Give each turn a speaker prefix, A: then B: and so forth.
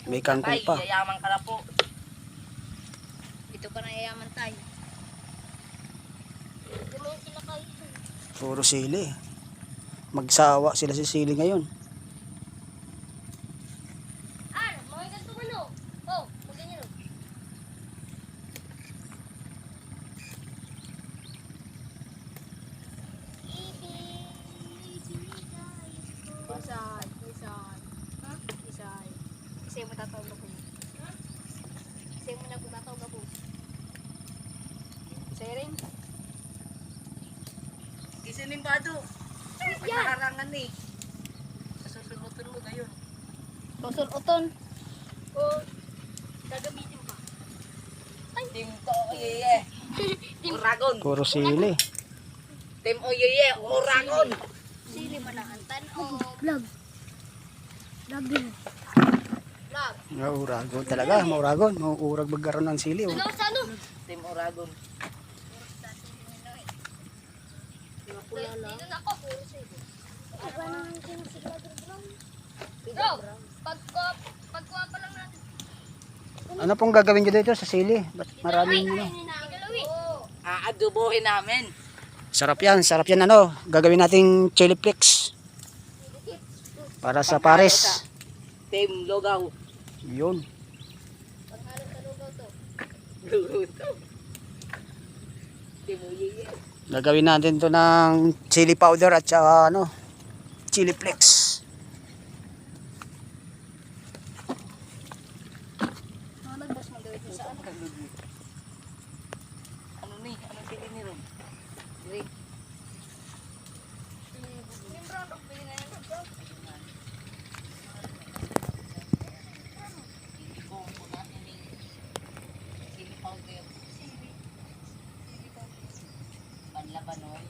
A: May kangkong pa.
B: Yayaman ka na po.
C: Dito pa na yayaman tayo. Gawin sila kayo.
A: Puro sili. Magsawa sila sa sili ngayon.
C: Mga ganito mo no? Oh, magganyan no? Isay. Ha? Isay. Isay mo tatawag ako. Ha? Isay mo na kung tatawag ako. Isay rin.
B: Isinimbado. Nakarangan eh. Susunod-sunod ayun.
C: Susul-uton. O, gagamitin pa.
B: Team to oyeye. Uragon.
A: Puro sili.
B: Team oyeye. Uragon.
C: Sili man ang antan o vlog. Vlog din. Vlog.
A: Mauragon talaga. Mauragon. Maurag magkaroon ng sili. Oh.
C: Ano sa ano?
B: Team Uragon.
C: Dito na ako. Puro sili. Iba na ang sinisigado brown. Bro, pagkuha pa lang natin.
A: Ano pong gagawin nyo dito sa sili? Ba't maraming ano?
B: Aadobohin namin.
A: Sarap yan ano. Gagawin nating chili flakes. Para sa pares.
B: Team Logaw.
A: Yun.
C: Paghalong sa lugaw to.
B: Lugaw to. Team oyeye.
A: Gagawin natin to ng chili powder at saka ano, chili flakes.
C: Mga nagbas magawin sa ano.
B: Ano ni? Anong pili ni Ron? Green.
C: Yung brown, pili na yun. Brown.
B: Kung una ini chili powder. Panlabanon.